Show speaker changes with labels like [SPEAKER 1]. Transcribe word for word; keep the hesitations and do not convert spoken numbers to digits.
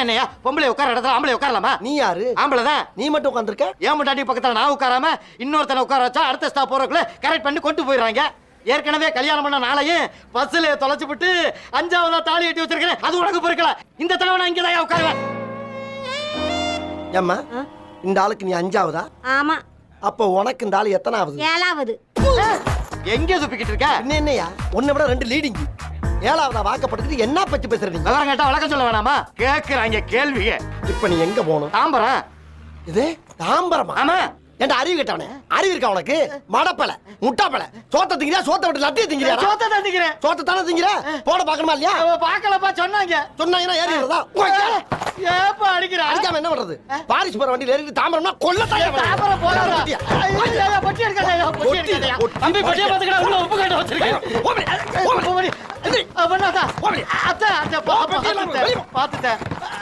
[SPEAKER 1] என்னையா பொம்பளை உட்கார இடத்துல ஆம்பளை உட்காரலாமா?
[SPEAKER 2] நீ யாரு?
[SPEAKER 1] ஆம்பளை தான்.
[SPEAKER 2] நீ மட்டும் உட்காந்துருக்க.
[SPEAKER 1] ஏன் முட்டாட்டி பக்கத்துல நான் உட்காராம இன்னொருத்தனை உட்கார வச்சா அடுத்த ஸ்டாப் போறதுக்குள்ள கரெக்ட் பண்ணி கொண்டு போயிடுறாங்க. ஏற்கனவே கல்யாணம் பண்ண நாளையும் பஸ்ல தொலைச்சு விட்டு அஞ்சாவதா தாலி கட்டி வச்சிருக்கேன். அது உனக்கு பொறுக்கல. இந்த தடவை நான் இங்கதான் உட்காருவேன்.
[SPEAKER 2] ஏம்மா இந்த ஆளுக்கு நீ அஞ்சாவதா?
[SPEAKER 3] ஆமா.
[SPEAKER 2] அப்ப உனக்கு இந்த ஆளு எத்தனாவது?
[SPEAKER 3] ஏழாவது.
[SPEAKER 1] எங்க சுப்பிக்கிட்டு இருக்க?
[SPEAKER 2] என்ன என்னையா உன்னை விட ரெண்டு லீடிங். ஏழாவதா வாக்கப்படுத்திட்டு என்ன பத்தி பேசுற நீ?
[SPEAKER 1] விவரம் கேட்டா வழக்கம் சொல்ல வேணாமா? கேக்குறாங்க கேள்விங்க.
[SPEAKER 2] இப்ப நீ எங்க போகணும்?
[SPEAKER 1] தாம்பரம்.
[SPEAKER 2] இது தாம்பரமா?
[SPEAKER 1] ஆமா.
[SPEAKER 2] ஏன்டா அறிவு கேட்டவனே? அறிவு இருக்கா உனக்கு? மடப்பல முட்டாப்பல சோத்த திங்கிறியா? சோத்த விட்டு லட்டிய திங்கிறியா?
[SPEAKER 1] சோத்த தான் திங்கிறேன்.
[SPEAKER 2] சோத்த தானே திங்கிற? போட பாக்கணுமா இல்லையா?
[SPEAKER 1] பாக்கலப்பா சொன்னாங்க.
[SPEAKER 2] சொன்னாங்கன்னா ஏறி வரதா?
[SPEAKER 1] ஏப்பா அடிக்கிற?
[SPEAKER 2] அடிக்காம என்ன பண்றது? பாரிஸ் போற வண்டியில ஏறி தாம்பரம்னா கொல்ல தாயா.
[SPEAKER 1] தாம்பரம் போறாரா? ஐயா பொட்டி எடுக்காதயா. பொட்டி எடுக்காதயா. தம்பி பொட்டிய பாத்துக்கடா. உள்ள உப்பு கட்ட வச்சிருக்கேன். ஓடி ஓடி. பண்ணாதா? அத்த அத்த பாத்துட்டேன். பாத்துட்டேன்.